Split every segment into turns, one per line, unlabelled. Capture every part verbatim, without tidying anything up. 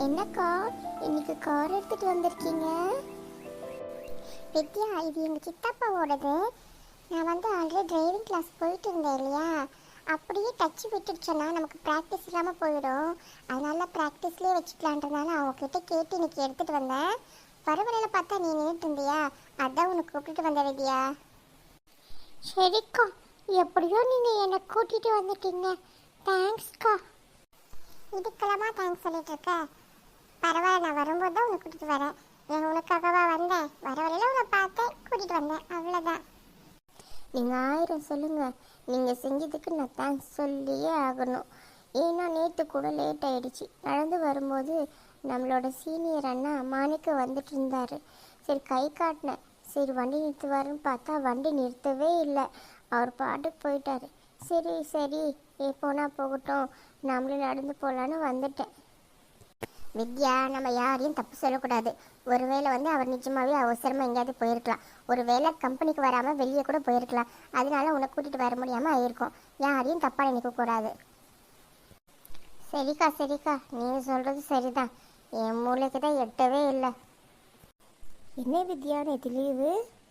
என்னக்கா இன்னைக்கு கார் எடுத்துட்டு வந்திருக்கீங்க? வித்யா, இது எங்கள் சித்தப்பாவோடது. நான் வந்து ஆல்ரெடி டிரைவிங் கிளாஸ் போயிட்டு இருந்தேன் இல்லையா, அப்படியே டச்சு விட்டுடுச்சோன்னா நமக்கு ப்ராக்டிஸ் இல்லாமல் போயிடும். அதனால ப்ராக்டிஸ்லேயே வச்சுக்கலான்றதுனால அவங்கக்கிட்ட கேட்டு இன்னைக்கு எடுத்துகிட்டு வந்தேன். வரவரையில் பார்த்தா நீ நின்றுட்டு இருந்தியா, அதான் உனக்கு கூப்பிட்டுட்டு வந்த வித்யா. சரிக்கா, எப்படியோ நீங்கள் என்னை கூட்டிகிட்டு வந்துட்டீங்க, தேங்க்ஸ்க்கா. இதுக்கெல்லாமா தேங்க்ஸ் சொல்லிட்டு இருக்க? பரவாயில்ல, நான் வரும்போது தான் உன்னை கூட்டிகிட்டு வரேன். நான் உனக்காகவா வந்தேன், வர வரையில உன்னை பார்த்தேன், கூட்டிகிட்டு வந்தேன், அவ்வளோதான். நீங்கள் ஆயிரம் சொல்லுங்கள், நீங்கள் செஞ்சதுக்கு நான் தேங்க்ஸ் சொல்லியே ஆகணும். ஏன்னா நேற்று கூட லேட் ஆகிடுச்சு. நடந்து வரும்போது நம்மளோட சீனியர் அண்ணா மாணிக்க வந்துட்டு இருந்தார். சரி கை காட்டினேன், சரி வண்டி நிறுத்துவாருன்னு பார்த்தா வண்டி நிறுத்தவே இல்லை, அவர் பாட்டுக்கு போயிட்டார். சரி சரி ஏ போனால் போகட்டும், நம்மளும் நடந்து போகலான்னு வந்துட்டேன். வித்யா, நம்ம யாரையும் தப்பு சொல்லக்கூடாது. ஒருவேளை வந்து அவர் நிஜமாவே அவசரமாக எங்கேயாவது போயிருக்கலாம், ஒருவேளை கம்பெனிக்கு வராமல் வெளியே கூட போயிருக்கலாம். அதனால உன்னை கூட்டிகிட்டு வர முடியாமல் ஆயிருக்கும். யாரையும் தப்பாக நினைக்கக்கூடாது. சரிக்கா சரிக்கா, நீங்கள் சொல்கிறது சரிதான். என் மூளைக்கு தான் எட்டவே இல்லை. என்ன வித்யா, நேற்று லீவு?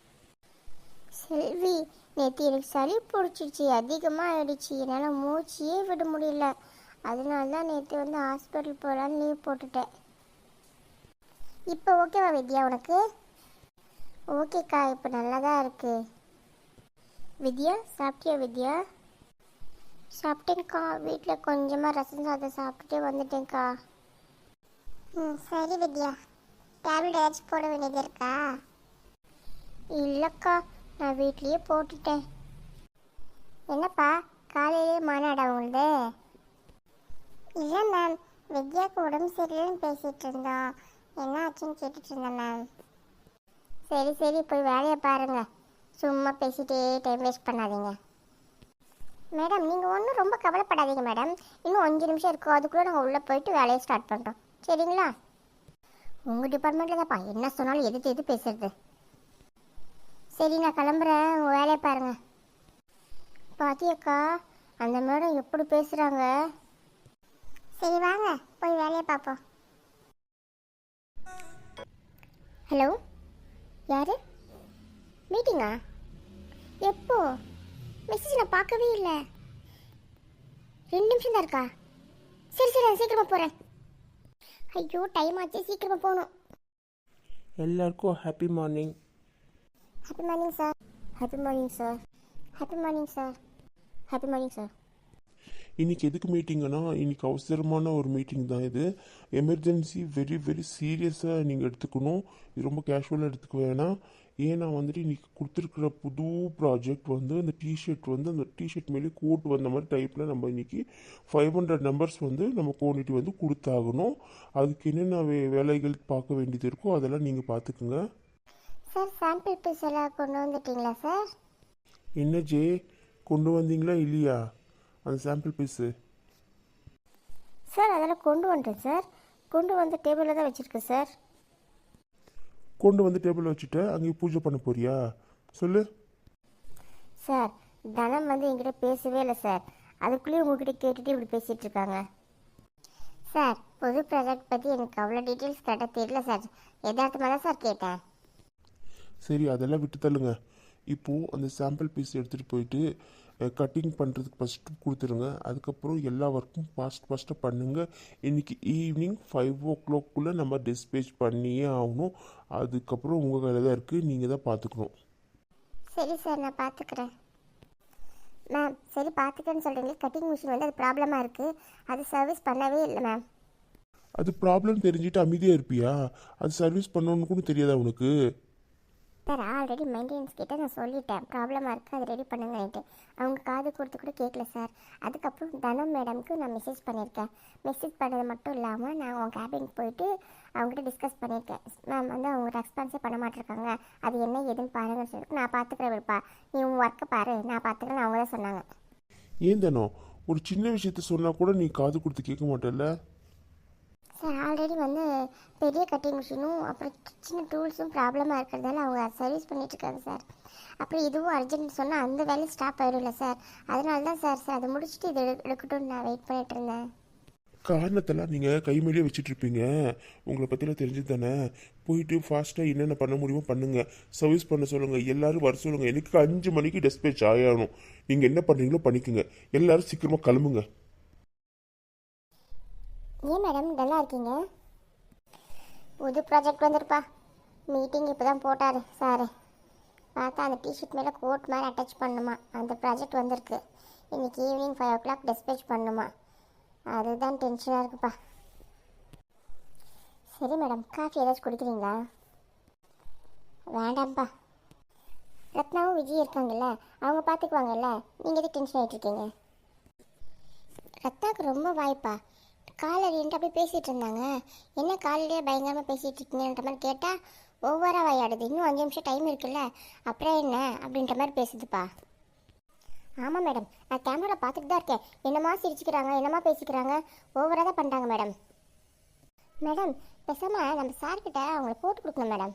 செல்வி, நேற்று எனக்கு சளி பிடிச்சிடுச்சு, அதிகமாக ஆயிடுச்சு. என்னால் மூச்சியே விட முடியல. அதனால தான் நேற்று வந்து ஹாஸ்பிட்டல் போகலான்னு லீவ் போட்டுட்டேன். இப்போ ஓகேவா வித்யா உனக்கு? ஓகேக்கா, இப்போ நல்லா தான் இருக்கு. வித்யா, சாப்பிட்டியா வித்யா? சாப்பிட்டேன்க்கா, வீட்டில் கொஞ்சமாக ரசம் சாதம் சாப்பிட்டுட்டே வந்துட்டேன்க்கா. ம் சரி வித்யா, டேப்லெட் ஏதாச்சும் போட வேண்டியது இருக்கா? இல்லைக்கா, நான் வீட்லேயே போட்டுட்டேன். என்னப்பா காலையிலே மாநாடா உங்களுது? இல்லை மேம், வித்யாவுக்கு உடம்பு சரியில்லைன்னு பேசிகிட்டு இருந்தோம், என்ன ஆச்சுன்னு கேட்டுட்டு இருந்தேன் மேம். சரி சரி, போய் வேலையை பாருங்க, சும்மா பேசிகிட்டே டைம் வேஸ்ட் பண்ணாதீங்க. மேடம், நீங்கள் ஒன்றும் ரொம்ப கவலைப்படாதீங்க மேடம், இன்னும் அஞ்சு நிமிஷம் இருக்கும், அதுக்குள்ளே நாங்கள் உள்ளே போயிட்டு வேலையை ஸ்டார்ட் பண்ணுறோம், சரிங்களா? உங்கள் டிபார்ட்மெண்ட்டில் தான்ப்பா, என்ன சொன்னாலும் எதிர்த்து எது பேசுறது. சரி நான் கிளம்புறேன், உங்கள் வேலையை பாருங்கள். பாத்தியக்கா, அந்த மேடம் எப்படி பேசுகிறாங்க. சரி வாங்க போய் வேலையை பார்ப்போம். ஹலோ, யார்? மீட்டிங்கா? எப்போ? மெசேஜ் நான் பார்க்கவே இல்லை. ரெண்டு நிமிஷம் தான் இருக்கா? சரி சரி, நான் சீக்கிரமாக போகிறேன். ஐயோ டைம் ஆச்சு, சீக்கிரமாக போகணும்.
எல்லாருக்கும் happy morning.
Happy morning sir. Happy morning sir. Happy morning sir. Happy morning sir.
இன்றைக்கி எதுக்கு மீட்டிங்கன்னா, இன்றைக்கி அவசரமான ஒரு மீட்டிங் தான் இது. எமர்ஜென்சி, வெரி வெரி சீரியஸாக நீங்கள் எடுத்துக்கணும். இது ரொம்ப கேஷுவலாக எடுத்துக்க வேணாம். ஏன்னா வந்துட்டு இன்றைக்கி கொடுத்துருக்குற புது ப்ராஜெக்ட் வந்து அந்த டிஷர்ட் வந்து அந்த டிஷர்ட் மேலே கோட் வந்த மாதிரி டைப்பில் நம்ம இன்றைக்கி ஃபைவ் ஹண்ட்ரட் நம்பர்ஸ் வந்து நம்ம குவான்டிட்டி வந்து கொடுத்தாகணும். அதுக்கு என்னென்ன வே வேலைகள் பார்க்க வேண்டியது இருக்கோ அதெல்லாம் நீங்கள் பார்த்துக்குங்க.
சார் சாம்பிள் பீஸ் எல்லாம் கொண்டு வந்துட்டீங்களா சார்?
என்ன ஜே, கொண்டு வந்தீங்களா இல்லையா அந்த சாம்பிள் பீஸு?
சார் அதெல்லாம் கொண்டு வந்துட்டேன் சார், கொண்டு வந்து டேபிளில் தான் வச்சுருக்கேன் சார்.
கொண்டு வந்து டேபிளில் வச்சுட்டு அங்கே பூஜை பண்ண போறியா? சொல்லு
சார். தனம் வந்து என்கிட்ட பேசவே இல்லை சார், அதுக்குள்ளேயே உங்ககிட்ட கேட்டுட்டு இப்படி பேசிகிட்டு இருக்காங்க சார். புது ப்ராஜெக்ட் பற்றி எனக்கு அவ்வளோ டீட்டெயில்ஸ் கரெக்டாக தெரியல சார், எதார்த்தமாக தான் சார் கேட்டேன்.
சரி அதெல்லாம் விட்டு தள்ளுங்க. இப்போது அந்த சாம்பிள் பீஸ் எடுத்துகிட்டு போயிட்டு கட்டிங் பண்ணுறதுக்கு ஃபஸ்ட்டு கொடுத்துருங்க. அதுக்கப்புறம் எல்லா ஒர்க்கும் ஃபாஸ்ட் ஃபாஸ்ட்டாக பண்ணுங்கள். இன்றைக்கி ஈவினிங் ஃபைவ் ஓ கிளாக்குள்ளே நம்ம டிஸ்பேச் பண்ணியே ஆகணும். அதுக்கப்புறம் உங்கள் கையில் தான் இருக்குது, நீங்கள் தான் பார்த்துக்கணும்.
சரி சார், நான் பார்த்துக்கிறேன் மேம். சரி பார்த்துக்கிறேன்னு சொல்கிறீங்க, கட்டிங் மிஷின் வந்து அது ப்ராப்ளமாக இருக்குது, அது சர்வீஸ் பண்ணவே இல்லை மேம்.
அது ப்ராப்ளம் தெரிஞ்சுட்டு அமைதியாக இருப்பியா? அது சர்வீஸ் பண்ணணுன்னு கூட தெரியாதா உனக்கு?
சார் ஆல்ரெடி மெயின்டெனன்ஸ் கிட்டே நான் சொல்லிட்டேன், ப்ராப்ளமாக இருக்குது, அது ரெடி பண்ணுங்கன்ட்டு. அவங்க காது கொடுத்து கூட கேட்கல சார். அதுக்கப்புறம் தனம் மேடம்க்கு நான் மெசேஜ் பண்ணியிருக்கேன். மெசேஜ் பண்ணது மட்டும் இல்லாமல் நான் அவங்க கேபினுக்கு போயிட்டு அவங்ககிட்ட டிஸ்கஸ் பண்ணியிருக்கேன். மேம் வந்து அவங்க ரெஸ்பான்ஸே பண்ண மாட்டிருக்காங்க, அது என்ன ஏதுன்னு பாருங்கன்னு சொல்லி நான் பார்த்துக்கிறேன் விருப்பா, நீ உங்கள் ஒர்க்கை பாரு, நான் பார்த்துக்கிறேன், அவங்க தான் சொன்னாங்க.
ஏன் தானோ ஒரு சின்ன விஷயத்த சொன்னால் கூட நீ காது கொடுத்து கேட்க மாட்டேல்ல
சார்? ஆல்ரெடி வந்து பெரிய கட்டிங் மிஷினும் அப்புறம் சின்ன டூல்ஸும் ப்ராப்ளமாக இருக்கிறதால அவங்க சர்வீஸ் பண்ணிகிட்ருக்காங்க சார். அப்புறம் இதுவும் அர்ஜென்ட் சொன்னால் அந்த வேலையும் ஸ்டாப் ஆகிடும்ல சார், அதனால தான் சார் சார் அதை முடிச்சுட்டு இது எடு எடுக்கட்டும்னு நான் வெயிட் பண்ணிகிட்டு இருந்தேன்.
காரணத்தெல்லாம் நீங்கள் கைமேலேயே வச்சுட்டு இருப்பீங்க. உங்களை பற்றிலாம் தெரிஞ்சது தானே. போயிட்டு ஃபாஸ்ட்டாக என்னென்ன பண்ண முடியுமோ பண்ணுங்கள். சர்வீஸ் பண்ண சொல்லுங்கள். எல்லோரும் வர சொல்லுங்கள். எனக்கு அஞ்சு மணிக்கு டெஸ்பேச் ஆகணும். நீங்கள் என்ன பண்ணுறீங்களோ பண்ணிக்கோங்க. எல்லோரும் சீக்கிரமாக கிளம்புங்க.
ஏன் மேடம் நல்லா இருக்கீங்க? புது ப்ராஜெக்ட் வந்திருப்பா. மீட்டிங் இப்போ தான் போட்டார் சார். பார்த்தா அந்த டிஷர்ட் மேலே கோட் மாதிரி அட்டாச் பண்ணுமா. அந்த ப்ராஜெக்ட் வந்திருக்கு. இன்றைக்கி evening five o'clock dispatch பண்ணுமா. அதுதான் டென்ஷனாக இருக்குப்பா. சரி மேடம், காஃபி ஏதாச்சும் குடிக்கிறீங்களா? வேண்டாம்ப்பா. ரத்னாவும் விஜய் இருக்காங்கல்ல, அவங்க பார்த்துக்குவாங்கல்ல. நீங்கள் எதுக்கு டென்ஷன் ஆகிட்டு இருக்கீங்க? ரத்னாவுக்கு ரொம்ப வாய்ப்பா. காலையில் நின்று அப்படியே பேசிகிட்டு இருந்தாங்க. என்ன காலையிலேயே பயங்கரமாக பேசிகிட்டு இருக்கீங்கன்ற மாதிரி கேட்டால் ஓவராக வாயாடுது. இன்னும் அஞ்சு நிமிஷம் டைம் இருக்குல்ல, அப்புறம் என்ன அப்படின்ற மாதிரி பேசுதுப்பா. ஆமாம் மேடம், நான் கேமரா பார்த்துட்டு தான் இருக்கேன். என்னமா சிரிச்சுக்கிறாங்க, என்னமா பேசிக்கிறாங்க, ஓவராக தான் பண்ணுறாங்க மேடம். மேடம் பேசாமல் நம்ம சார்கிட்ட அவங்கள போட்டு கொடுக்கணும் மேடம்.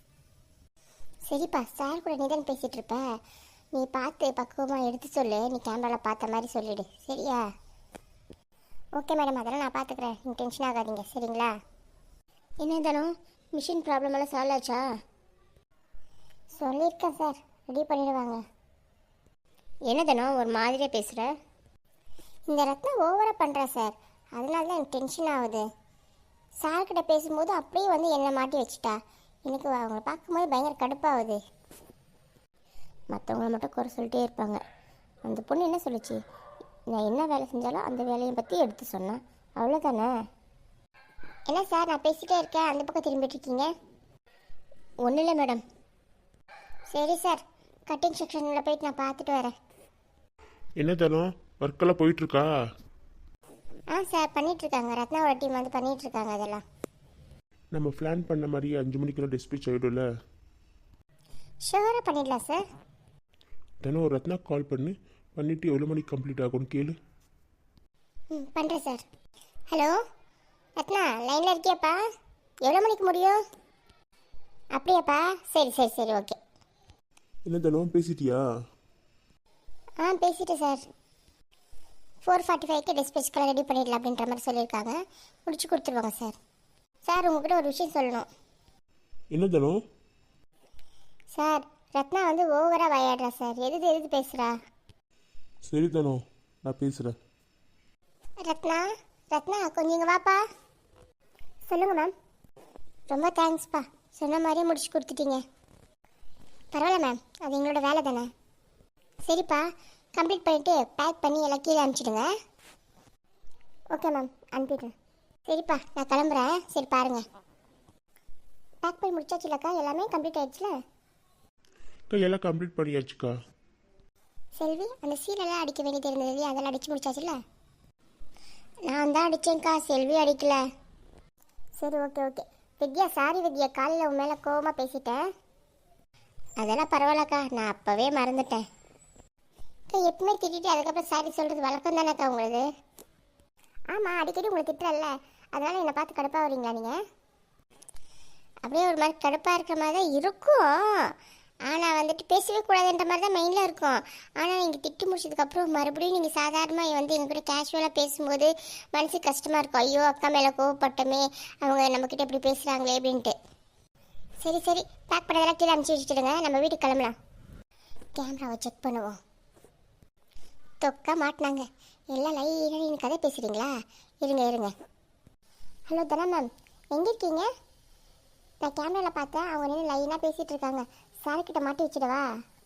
சரிப்பா, சார் கூட நீ தானே பேசிகிட்டு இருப்ப. நீ பார்த்து பக்குவமாக எடுத்து சொல்லு. நீ கேமராவில் பார்த்த மாதிரி சொல்லிவிடு, சரியா? ஓகே மேடம், அதெல்லாம் நான் பார்த்துக்கிறேன். நீங்கள் டென்ஷன் ஆகாதீங்க, சரிங்களா? என்ன தானோ மிஷின் ப்ராப்ளம் எல்லாம் சால்வ் ஆச்சா? சொல்லியிருக்கேன் சார், ரெடி பண்ணிடுவாங்க. என்ன தானோ ஒரு மாதிரியாக பேசுகிற? இந்த ரத்னா ஓவராக பண்ணுறா சார், அதனால தான் எனக்கு டென்ஷன் ஆகுது. சார்கிட்ட பேசும்போது அப்படியே வந்து என்னை மாட்டி வச்சுட்டா. எனக்கு அவங்கள பார்க்கும்போது பயங்கர கடுப்பாகுது. மற்றவங்கள மட்டும் குறை சொல்லிட்டே இருப்பாங்க. அந்த பொண்ணு என்ன சொல்லிச்சு? நான் என்ன வேலை செஞ்சாலும் அந்த வேலையை பற்றி எடுத்து சொன்னேன், அவ்வளோதானே. என்ன சார், நான் பேசிகிட்டே இருக்கேன், அந்த பக்கம் திரும்பிட்டு இருக்கீங்க? ஒன்றும் இல்லை மேடம். சரி சார், கட்டிங் செக்ஷனில் போயிட்டு நான் பார்த்துட்டு வரேன்.
என்ன தானோ ஒர்க்கெல்லாம் போயிட்டுருக்கா?
ஆ சார், பண்ணிகிட்ருக்காங்க. ரத்னாவோட டீம் வந்து பண்ணிகிட்ருக்காங்க. அதெல்லாம்
நம்ம பிளான் பண்ண மாதிரி அஞ்சு மணிக்கெல்லாம் டிஸ்பேச் ஆகிடும்ல?
ஷுவராக பண்ணிடலாம் சார்.
தானோ ஒரு ரத்னா கால் பண்ணு, பண்ணிவிட்டு எவ்வளோ மணிக்கு கம்ப்ளீட் ஆகும்னு கேளு.
ம் பண்ணுறேன் சார். ஹலோ ரத்னா, லைனில் இருக்கியாப்பா? எவ்வளோ மணிக்கு முடியும்? அப்படியாப்பா? சரி சரி சரி, ஓகே.
என்ன தானோ பேசிட்டியா?
ஆ பேசிட்டேன் சார். ஃபோர் ஃபார்ட்டி ஃபைவ்க்கு டிஸ்பேச்சுக்கெல்லாம் ரெடி பண்ணிடலாம் அப்படின்ற மாதிரி சொல்லியிருக்காங்க. முடிச்சு கொடுத்துருவாங்க சார். சார் உங்ககிட்ட ஒரு விஷயம் சொல்லணும்.
என்ன தானோ?
சார் ரத்னா வந்து ஓவராக விளையாடுறா சார். எது எது பேசுகிறா?
சரி தானோ, நான் பேசுகிறேன்.
ரத்னா ரத்னா கொஞ்சம் இங்கே வாப்பா. சொல்லுங்கள் மேம். ரொம்ப தேங்க்ஸ்ப்பா, சொன்ன மாதிரியே முடிச்சு கொடுத்துட்டீங்க. பரவாயில்ல மேம், அது எங்களோட வேலை தானே. சரிப்பா, கம்ப்ளீட் பண்ணிவிட்டு பேக் பண்ணி எல்லாம் கீழே அனுப்பிச்சிடுங்க. ஓகே மேம், அனுப்பிடுறேன். சரிப்பா, நான் கிளம்புறேன். சரி பாருங்கள். பேக் பண்ணி முடிச்சாச்சுலக்கா? எல்லாமே கம்ப்ளீட் ஆகிடுச்சுல?
எல்லாம் கம்ப்ளீட் பண்ணியாச்சுக்கா.
செல்வி, அந்த சீலெல்லாம் அடிக்க வேண்டியது இருந்தது இல்லையா, அதெல்லாம் அடித்து முடிச்சாச்சுல? நான் தான் அடித்தேன்க்கா, செல்வி அடிக்கல. சரி okay okay. Vidya sorry Vidya, காலையில் உன் மேலே கோவமாக பேசிட்டேன். அதெல்லாம் பரவாயில்லக்கா, நான் அப்போவே மறந்துட்டேன். அக்கா எப்பவுமே திட்டிட்டு அதுக்கப்புறம் சாரி சொல்கிறது வழக்கம் தானேக்கா உங்களுக்கு? ஆமாம், அடிக்கடி உங்களை திட்டுறல்ல, அதனால் என்னை பார்த்து கடுப்பாக வரீங்களா நீங்கள்? அப்படியே ஒரு மாதிரி கடுப்பாக இருக்கிற மாதிரி தான் இருக்கும். ஆனால் வந்துட்டு பேசவே கூடாதுன்ற மாதிரி தான் மைண்டில் இருக்கும். ஆனால் நீங்கள் திட்டு முடிச்சதுக்கப்புறம் மறுபடியும் நீங்கள் சாதாரணமாக வந்து எங்கள் கூட கேஷுவலாக பேசும்போது மனசுக்கு கஷ்டமாக இருக்கும். ஐயோ அக்கா மேலே கோவப்பட்டோமே, அவங்க நம்மக்கிட்ட இப்படி பேசுகிறாங்களே அப்படின்ட்டு. சரி சரி, பேக் பண்ணதெல்லாம் கீழே அனுப்பிச்சி வச்சுடுங்க, நம்ம வீட்டுக்கு கிளம்பலாம். கேமராவை செக் பண்ணுவோம். தொக்கா மாட்டினாங்க எல்லாம். லைனாக நீங்கள் கதை பேசுகிறீங்களா? இருங்க இருங்க. ஹலோ தனா மேம், எங்கே இருக்கீங்க? நான் கேமராவில் பார்த்தேன், அவங்க நின்று லைனாக பேசிகிட்டு இருக்காங்க. சார்கிட்ட மாட்டி வச்சுடவா?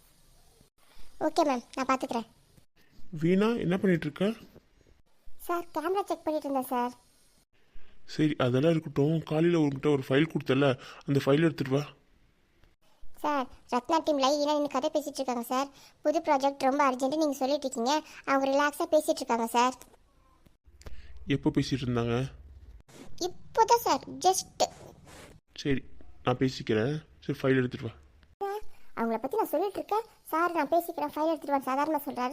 ஓகே மேம், நான் பார்த்துக்கிறேன்.
வீணா என்ன பண்ணிட்டு இருக்க?
சார் கேமரா செக் பண்ணிட்டு இருந்தேன் சார்.
சரி அதெல்லாம் இருக்கட்டும். காலையில் உங்ககிட்ட ஒரு ஃபைல் கொடுத்தல, அந்த ஃபைல் எடுத்துட்டு வா.
சார் ரத்னா டீம் லைனாக நின்று கதை பேசிகிட்டு இருக்காங்க சார். புது ப்ராஜெக்ட் ரொம்ப அர்ஜென்ட்டு நீங்கள் சொல்லிட்டு இருக்கீங்க. அவங்க ரிலாக்ஸாக பேசிகிட்டு இருக்காங்க சார்.
எப்போ பேசிகிட்டு இருந்தாங்க?
இப்போ தான் சார், ஜஸ்ட்.
சரி நான் பேசிக்கிறேன். சரி ஃபைல் எடுத்துட்டு வா.
அவங்கள பற்றி நான் சொல்லிட்டு இருக்கேன். சார் நான் பேசிக்கிறேன், ஃபைல் எடுத்துகிட்டு வாங்க சாதாரணமாக சொல்கிறாரு.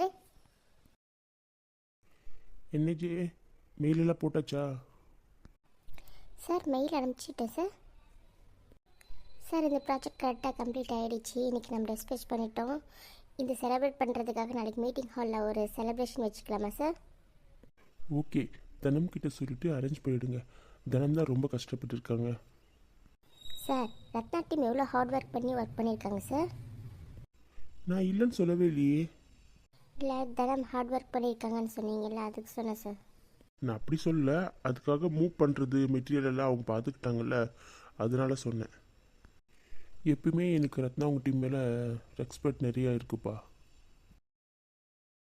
என்னஜி மெயிலெல்லாம் போட்டாச்சா?
சார் மெயில் அனுப்பிச்சிட்டேன் சார். சார் இந்த ப்ராஜெக்ட் கரெக்டாக கம்ப்ளீட் ஆகிடுச்சு. இன்றைக்கி நம்ம டிஸ்பேச் பண்ணிட்டோம். இது செலிப்ரேட் பண்ணுறதுக்காக நாளைக்கு மீட்டிங் ஹாலில் ஒரு செலிப்ரேஷன் வச்சுக்கலாமா சார்?
ஓகே, தனம் கிட்ட சொல்லிட்டு அரேஞ்ச் பண்ணிவிடுங்க. தனம் தான் ரொம்ப கஷ்டப்பட்டு இருக்காங்க.
சார், ரத்னா டீம் எவ்வளோ ஹார்ட் ஒர்க் பண்ணி ஒர்க் பண்ணியிருக்காங்க சார்.
நான் இல்லைன்னு சொல்லவே இல்லையே.
இல்லை, தனம் ஹார்ட் ஒர்க் பண்ணியிருக்காங்கன்னு சொன்னீங்கல்ல, அதுக்கு சொன்னேன் சார்.
நான் அப்படி சொல்லல, அதுக்காக மூவ் பண்ணுறது மெட்டீரியல் எல்லாம் அவங்க பார்த்துக்கிட்டாங்கல்ல, அதனால சொன்னேன். எப்பயுமே எனக்கு ரத்னா உங்கள் டீம் மேலே ரெஸ்பெக்ட் நிறையா இருக்குப்பா.